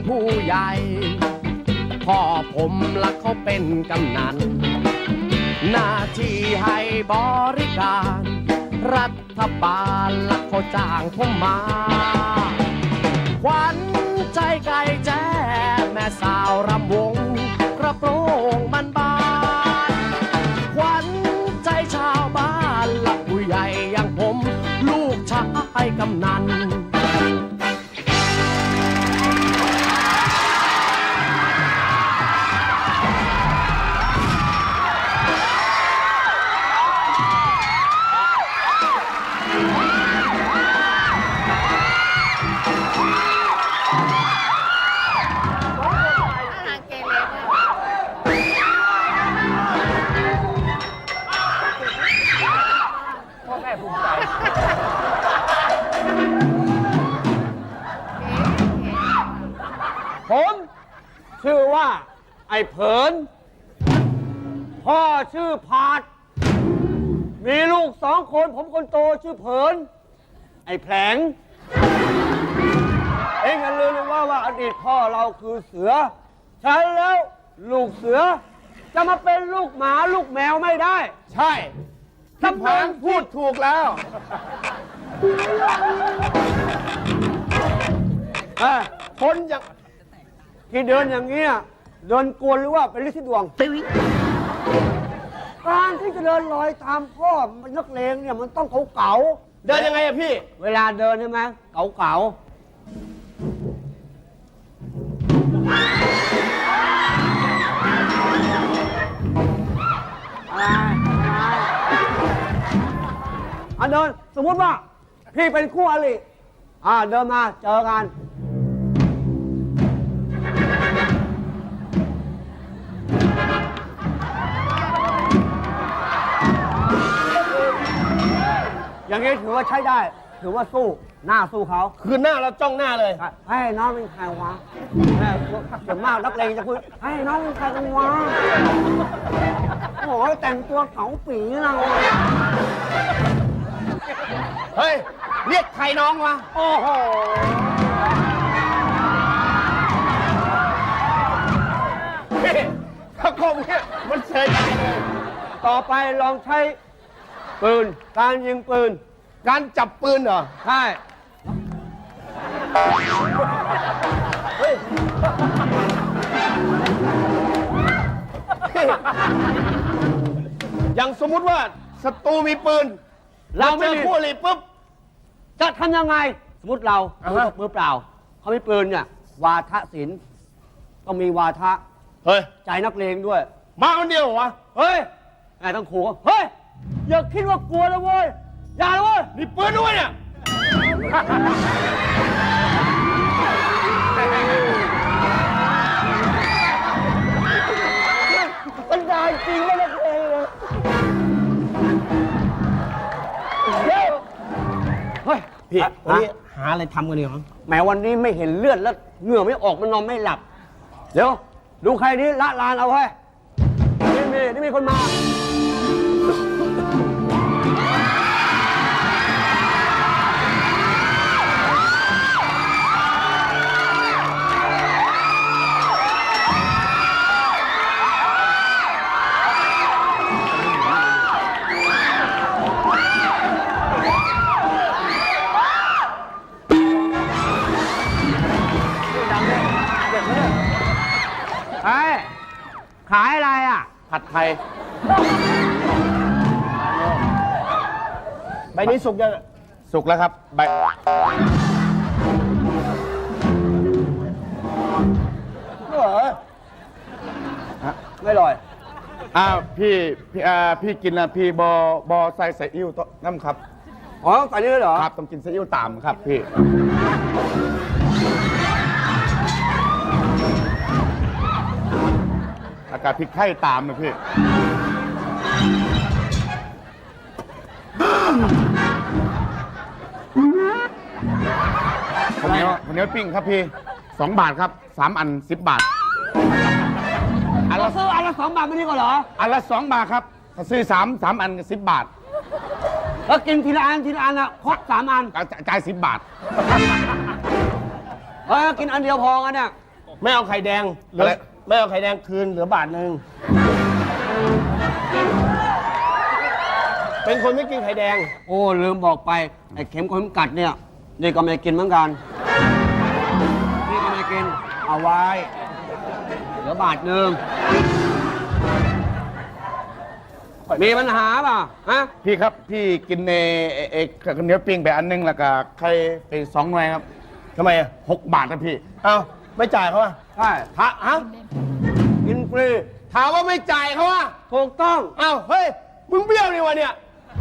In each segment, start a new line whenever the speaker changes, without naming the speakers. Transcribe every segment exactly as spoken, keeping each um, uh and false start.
ผู้ใหญ่พ่อผมละเขาเป็นกำนันหน้าที่ให้บริการรัฐบาลละเขาจ้างผมมาขวัญใจไก่แจ้แม่สาวรำวงกระโปรงมันบานขวัญใจชาวบ้านละผู้ใหญ่อย่างผมลูกชายกำนัน
ผมชื่อว่าไอ้เผินพ่อชื่อผาดมีลูกสองคนผมคนโตชื่อเผินไอ้แผลงเอ็งอย่าลืมว่าว่าอดีตพ่อเราคือเสือใช่แล้วลูกเสือจะมาเป็นลูกหมาลูกแมวไม่ได้
ใช่ท่านเผินพูดถูกแล้ว
คนอย่างที่เดินอย่างเงี้ยเดินกวนหรือว่าเป็นฤทธิ์ดวงการที่จะเดินลอยตามพ่อนักเลงเนี่ยมันต้องเก๋าๆ
เดินยังไงอะพี่
เวลาเดินใช่ไหมเก๋าๆอะไรอ่ะเดินสมมติว่าพี่เป็นคู่อริอ่าเดินมาเจอกันอย่างนี้ถือว่าใช้ได้ถือว่าสู้หน้าสู้เขา
คือหน้าเราจ้องหน้าเลย
ให้น้องเป็นใครวะส่วนมากนักเลงจะคุยให้น้องเป็นใครกันวะโอ้ยแต่งตัวเก๋าปีเรา
เฮ้ยเรียกใครน้องวะ
โอ้โห
ถ้าคมเนี่ยมันเฉยใจเลย
ต่อไปลองใช้ปืนการยิงปืน
การจับปืนเหรอ
ใช่เฮ้ย
อย่างสมมุติว่าศัตรูมีปืนเราเจอคู่อริปุ๊บ
จะทำยังไงสมมติเรามือเปล่าเขามีปืนเนี่ยวาทศิลป์ต้องมีวาทะ
เฮ้ย
ใจนักเลงด้วย
มาคนเดียวเหรอวะ
เฮ้ยไงต้องขู่เฮ้ยอย่าคิดว่ากลัวนะเว้ยอย่าเลยเว้ย
นี่ปืนด้วยเนี่ย
มันได้จริงไม่ได้เลยเฮ้ย
พี่วันนี้หาอะไรทำกันดีมั้ง
แม้วันนี้ไม่เห็นเลือดแล้วเหงื่อไม่ออกมันนอนไม่หลับเดี๋ยวดูใครนี้ละลานเอาไว้นี่มีนี่มีคนมาขายอะไรอ่ะ
ผัดไทยใบนี้สุกยังสุกแล้วครับใบ
เหรอไม่ลอย
อ้าวพี่พี่อ่าพี่กินนะพี่บอบอใส่ใส่อิ่วน้ำครับ
อ๋อใส่นี่เหรอ
ครับต้องกินใส่อิ่วตามครับพี่อากาศพริกไทยตามนะพี่ข้าวเหนียวข้าวเหนียวปิ้งครับพี่สองบาทครับสามอันสิบบาท
อันละซื้ออันละสองบาทไม่ดีกว่าเหรอ
อันละสองบาทครับถ้าซื้อสามสามอันสิบบาท
แล้วกินทีละอันทีละอันอ่ะครบสามอัน
จ่ายสิบบาท
เออกินอันเดียวพอกันเนี่ยไม่เอาไข่แดงเหลือไม่เอาไข่แดงคืนเหลือบาทหนึ่งเป็นคนไม่กินไข่แดงโอ้ลืมบอกไปไอ้เข็มคนกัดเนี่ยนี่ก็ไม่กินเหมือนกันนี่ก็ไม่กินเอาไว้เหลือบาทหนึ่งมีปัญหาป่ะฮะ
พี่ครับพี่กินในเอเอกข้าวเหนียวปิ้งไปอันนึงแล้วก็ไข่ไปสองหน่วยครับ
ทำไมอ่ะ
หกบาทนะพี่
เอาไม่จ่ายเขาอ่ะใช่ถาฮะกินฟรีถามว่าไม่จ่ายเขาอ่ะถูกต้องเอ้าเฮ้ยมึงเบี้ยวนี่วะเนี่ย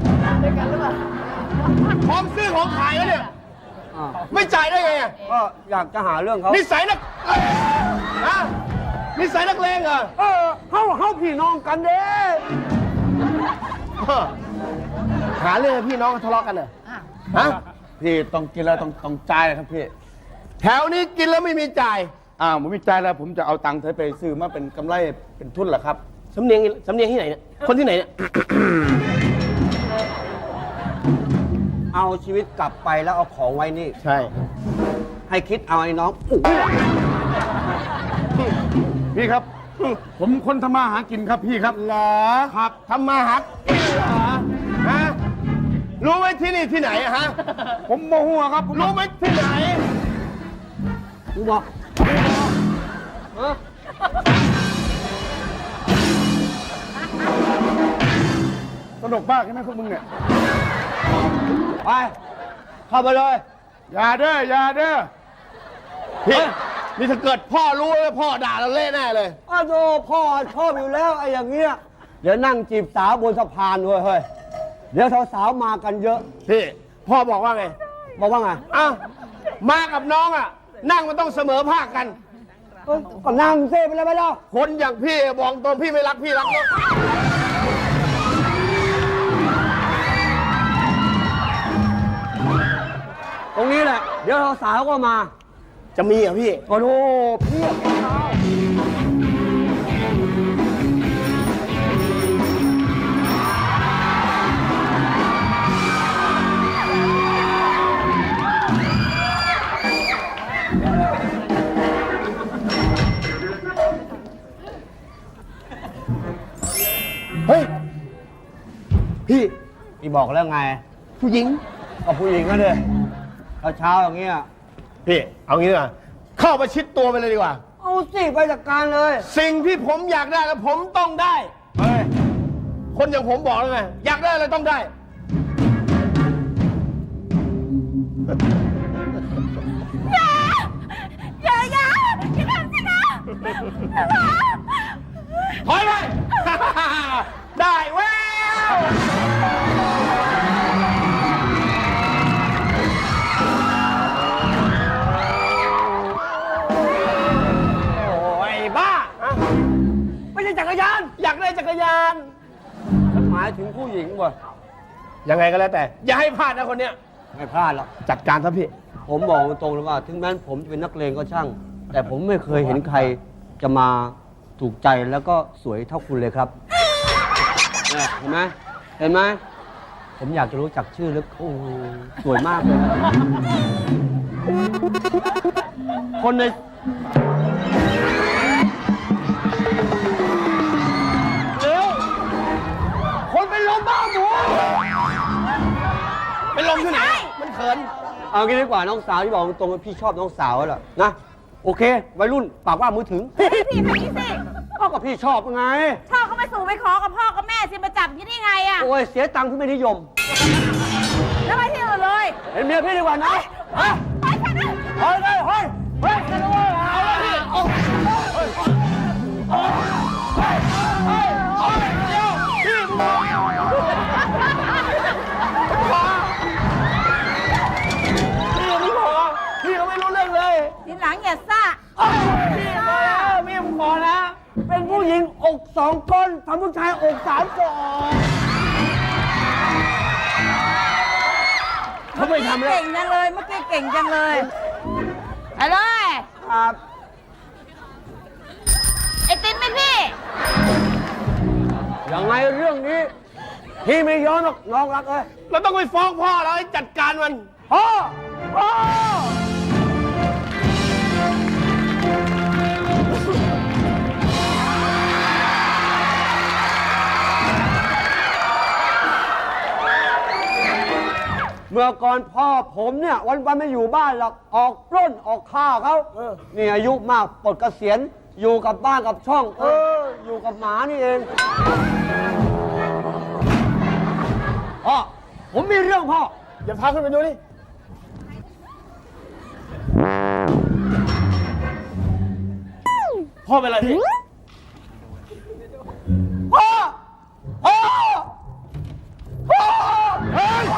พร้อมซื้อของขายแล้วเนี่ยไม่จ่ายได้ไงอ่ะก็อยากจะหาเรื่องเขานิสัยนักฮะนิสัยนักเลงเหรอเออเขาเขาพี่น้องกันเด้หาเรื่องพี่น้องทะเลาะกันเหรอฮะ
พี่ต้องกินแล้วต้องต้องจ่ายเลยครับพี่
แถวนี้กินแล้วไม่มีจ่าย
อ้าวผมไม่จ่ายแล้วผมจะเอาตังค์เธอไปซื้อมาเป็นกำไรเป็นทุนเหรอครับ
สำเนียงสำเนียงที่ไหนเนี่ยคนที่ไหนเนี่ย เอาชีวิตกลับไปแล้วเอาของไว้นี่
ใช่
ให้คิดเอาไอ้น้องอุ๊ย
พี่ครับ ผมคนทำมาหากินครับพี่ครับ
เหรอครับทำมาหากินเหรอฮะรู้ไหมที่นี่ที่ไหนอะฮะ
ผมโมโหครับผม
รู้ไหมที่ไหนกูบอกฮะ
สนุกมากใช่ไหมพวกมึงเนี่ย
ไปเข้าไปเลย
อย่าเด้ออย่าเด้อ
พี่นี่ถ้าเกิดพ่อรู้แล้วพ่อด่าเราเละแน่เลยอ้าวโธ่พ่อชอบอยู่แล้วไอ้อย่างเงี้ยเดี๋ยวนั่งจีบสาวบนสะพานด้วยเฮ้ยเดี๋ยวสาวๆมากันเยอะพี่พ่อบอกว่าไงบอกว่าไงอ้าวมากับน้องอ่ะนั่งมันต้องเสมอภาคกันก็นั่งเซ่ไปแล้วไปแล้วคนอย่างพี่บอกตรงพี่ไม่รักพี่รักน้องตรงนี้แหละเดี๋ยวสาวก็มาจะมีเหรอพี่โอ้โหพี่เฮ้ยพี่พี่บอกแล้วไงผู้หญิงเอาผู้หญิงก็เลยเช้าๆอย่างเงี้ยพี่เอางี้ดีกว่าเข้าประชิดตัวไปเลยดีกว่าเอาสิไปจัดการเลย สิ่งที่ผมอยากได้แล้วผมต้องได้เฮ้ยคนอย่างผมบอกแล้วไงอยากได้อะไรต้องได้
อย่าอย่าอย่าทำสินะ
ถอยไป ได้แววไม่ใช่จักรยานอยากได้จักรยานฉันหมายถึงผู้หญิงว่ะยังไงก็แล้วแต่อย่าให้พลาดนะคนเนี้ยไม่พลาดหรอกจัดการซะพี่ผมบอกตรงเลยว่าถึงแม้ผมจะเป็นนักเลงก็ช่างแต่ผมไม่เคยเห็นใครจะมาถูกใจแล้วก็สวยเท่าคุณเลยครับเนี่ยเห็นไหมเห็นไหมผมอยากจะรู้จักชื่อแล้วโอ้สวยมากเลยคนในคนเป็นลมบ้าหมูเป็นลมที่ไหนมันเขินเอางี้ดีกว่าน้องสาวที่บอกตรงๆว่าพี่ชอบน้องสาวแล้วนะโอเควัยรุ่นปากว่ามือถึง
พี่พี่ไปนี่สิ
พ่อกับพี่ชอบไง
ชอบก็ไปสู่ไปขอกับพ่อกับแม่สิมาจับยี่ได้ไงอะ
โอ้ยเสียตังค์ที่ไม่นิยม
แล้วไปที่อื่นเลย
เห็นเมียพี่ดีกว่านะฮะ
ไปค่ะนะ
เฮ้ยเฮ้ยเฮ้ยเฮ้ยกันเลยเอาเลยพี่เอาเฮ้ยเฮ้ยเฮ้ยเฮ้ยเฮ้ยเดี๋ยวพี่มึงพอพี่มึงพอพี่เขาไม่รู้เรื่องเลย
ทีหลังอย่าซ่า
พี่พอแล้วพี่มึงพอแล้วเป็นผู้หญิงอกสองก้นทำผู้ชายอกสามศอกเขาไม่ทำแล้ว
เก่งจังเลยเมื่อกี้เก่งจังเลยไปเลย
ครับ
ไอติมไหมพี่
ยังไงเรื่องนี้พี่ไม่ย้อนหรอกน้องรักเอ้ยเราต้องไปฟ้องพ่อแล้วให้จัดการมันพ่อพ่อเมื่อก่อนพ่อผมเนี่ยวันวันๆไม่อยู่บ้านหรอกออกปล้นออกฆ่าเขานี่อายุมากปลดเกษียณอยู่กับบ้านกับช่อง เออ อยู่กับหมานี่เองพ่อผมมีเรื่องพ่ออย่าพาขึ้นไปดูนี่พ่อเป็นอะไรพี่พ่อพ่อพ่อเฮ้ย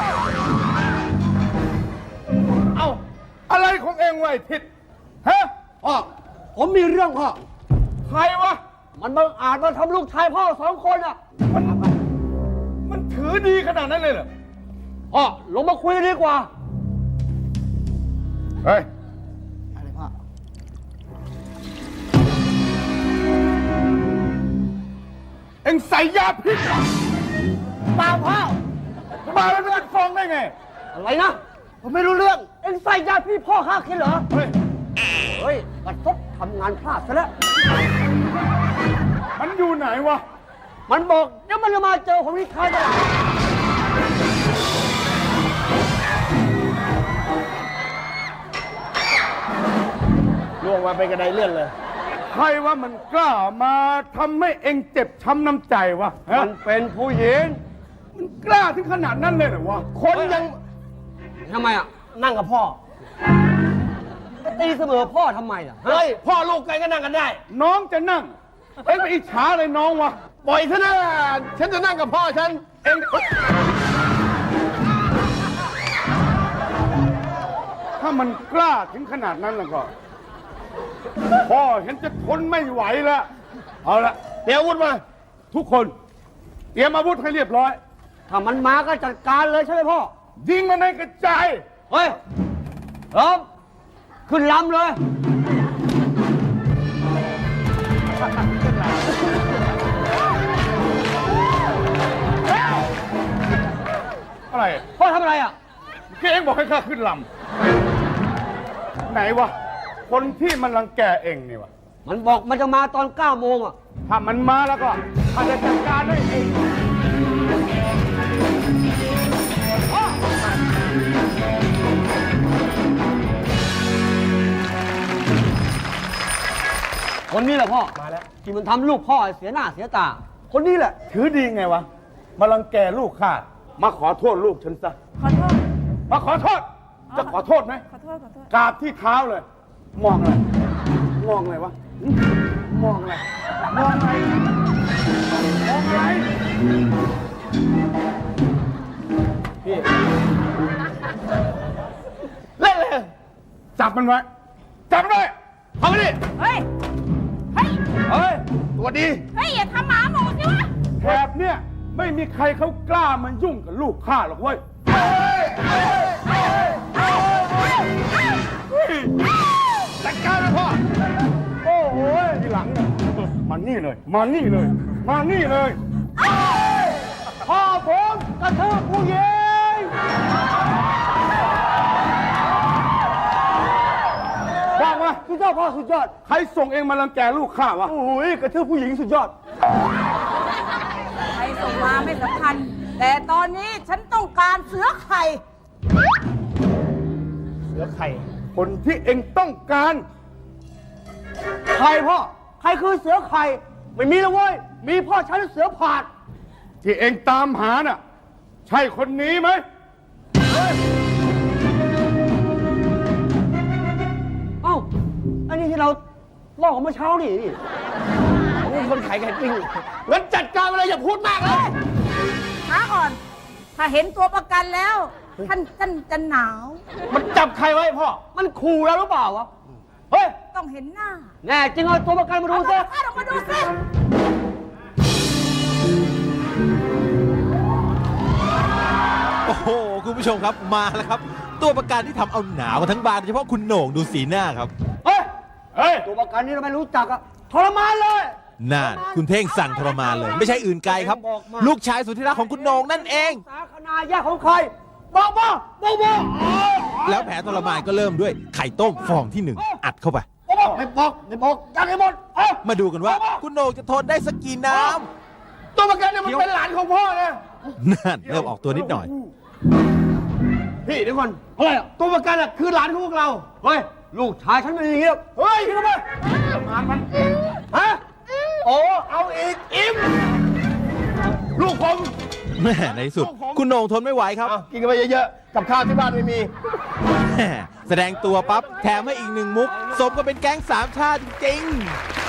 เอ้า อะไรของเองวะไอ้ทิศฮะ
พ่อผมมีเรื่องพ่อ
ใครวะ
มันบังอาจมาทำลูกชายพ่อสองคนอ่ะ
มันมันถือดีขนาดนั้นเลยเหรอ
พ่อลงมาคุยกันดีกว่า
เฮ้ย
อะไรพ่อ
เอ็งใส่ยาพิษ
เปล่าพ่อ
มาแล้วเป็นฟองได้ไง
อะไรนะ ผมไม่รู้เรื่อง เอ็งใส่ยาพี่พ่อข้าคิดเหรอ
เฮ้ย
เฮ้ยบัดซบทำงานพลาดซะแล้ว
มันอยู่ไหนวะ
มันบอกเดี๋ยวมันจะมาเจอผมที่ค่ายตลาด
ล่วงมาเป็นกระไดเลื่อนเลย
ใครว่ามันกล้ามาทำให้เอ็งเจ็บช้ำน้ำใจวะฮะ
มันเป็นผู้หญิง
มันกล้าถึงขนาดนั้นเลยเหรอวะ
คนยัง
ทำไมอ่ะ
นั่งกับพ่อ
จะตีเสมอพ่อทำไมล่ะ
เฮ้ย พ่อลูกกันก็นั่งกันได้
น้องจะนั่ง เอ็งไปอิจฉาเลยน้องวะ
ปล่อยซะนะฉันจะนั่งกับพ่อฉัน
เอ็งถ้ามันกล้าถึงขนาดนั้นแล้วก็ พ่อเห็นจะทนไม่ไหวแล้ว เอาละ
เดี๋ยวอาวุธมา
ทุกคน เตรียมอาวุธให้เรียบร้อย
ถ้ามันมาก็จัดการเลยใช่ไหมพ่อ
ยิงมันให้กระจาย
เฮ้ยพร้อมขึ้นลำเลย
อะไร
พ่อทำอะไรอ่ะ
แกเองบอกให้ข้าขึ้นลำไหนวะ คนที่มันรังแกเองนี่วะ
มันบอกมันจะมาตอนเก้าโมงอ่ะ
ถ้ามันมาแล้วก็ข้าจะจัดการด้วยเอง
คนนี้แหละพ่อ มาแล้ว ที่มันทำลูกพ่อให้เสียหน้าเสียตา คนนี้แหละ
ถือดีไงวะ มารังแกลูกข้า มาขอโทษลูกฉันซะ
ขอโทษ
มาขอโทษ จะขอโทษไหม
ขอโทษ ขอโทษ
กราบที่เท้าเลย มองอะไร มองอะไรวะ มองอะไร มองอะไร มองอะไร
เล่นเลย
จับมันไว้ จับมันไว้
เข้ามาดิ
เฮ้ย เฮ้ย
เฮ้ย
สวัสดี
เฮ้ย อย่าทำหมาหมูสิวะ
แถบเนี่ยไม่มีใครเขากล้ามันยุ่งกับลูกข้าหรอกเว้ย
จัดการเลยพ่อ
โอ้โหทีหลังเนี่ยมานี่เลย มานี่เลย มานี่เลย
พ่อผมกระทืบผู้หญิง
ว่างวะ
สุดยอดพ่อสุดยอด
ใครส่งเองมารังแกลูกข้าวะ
โอ้ยกระทืบผู้หญิงสุดยอด
ใครส่งมาไม่สำคัญ แต่ตอนนี้ฉันต้องการเสือไข่
เสือไข่
คนที่เองต้องการ
ใครพ่อ ใครคือเสือไข่ ไม่มีแล้วเว้ย มีพ่อฉันเสือผาด
ที่เองตามหาน่ะ ใช่คนนี้ไหม
เอ้า อันนี้ที่เราลอกกันเมื่อเช้านี่นี่
นี่คนขายไก่ปิ้งงั้นจัดการไปเลยอย่าพูดมากเลย
ช้าก่อน ถ้าเห็นตัวประกันแล้ว ท่านท่านจะหนาว
มันจับใครไว้พ่อ
มันขู่เราหรือเปล่าวะ เฮ้ย
ต้องเห็นหน้า
แน่จริงเอาตัวประกันมาดู
เอา
ซิ
ตัวประกันออกมาดูสิ
โอ้โห คุณผู้ชมครับมาแล้วครับ ตัวประกันที่ทำเอาหนาวกันทั้งบานโดยเฉพาะคุณโหน่งดูสีหน้าครับ
เฮ้ย
เฮ้ย
ตัวประกันนี่เราไม่รู้จักอะทรมานเลย
น่านคุณเท่งสั่งทรมานเลย ไม่ใช่อื่นไกลครับ ลูกชายสุดที่รักของคุณโหน่งนั่นเอง
สาคณาญาติของใคร บอกมาบอกมา
แล้วแผลทรมานก็เริ่มด้วยไข่ต้มฟองที่หนึ่งอัดเข้าไป
บอกไม่บอกไม่บอกยังให้หมดเอ้ย
มาดูกันว่าคุณโหน่งจะทนได้สักกี่น้
ตัวประกันเนี่ยมันเป็นหลานของพ่อนะ
ำนั่นเริ่มออกตัวนิดหน่อย
พี่เดี๋ยวก่อนอะไรอ่ะตัวประกันอ่ะคือหลานของพวกเรา เฮ้ย ลูกชายฉันไม่ดีหรอกเฮ้ยทำไมงานมัน ฮะ โอ้ เอาอีก อิ่มลูกผม
แม่ในที่สุด คุณโหน่งทนไม่ไหวครับ
เอากินกันไปเยอะๆ กับข้าวที่บ้านไม่มี
แม่แสดงตัวปั๊บแถมให้อีกหนึ่งมุก สมก็เป็นแก๊งสามชาติจริงๆ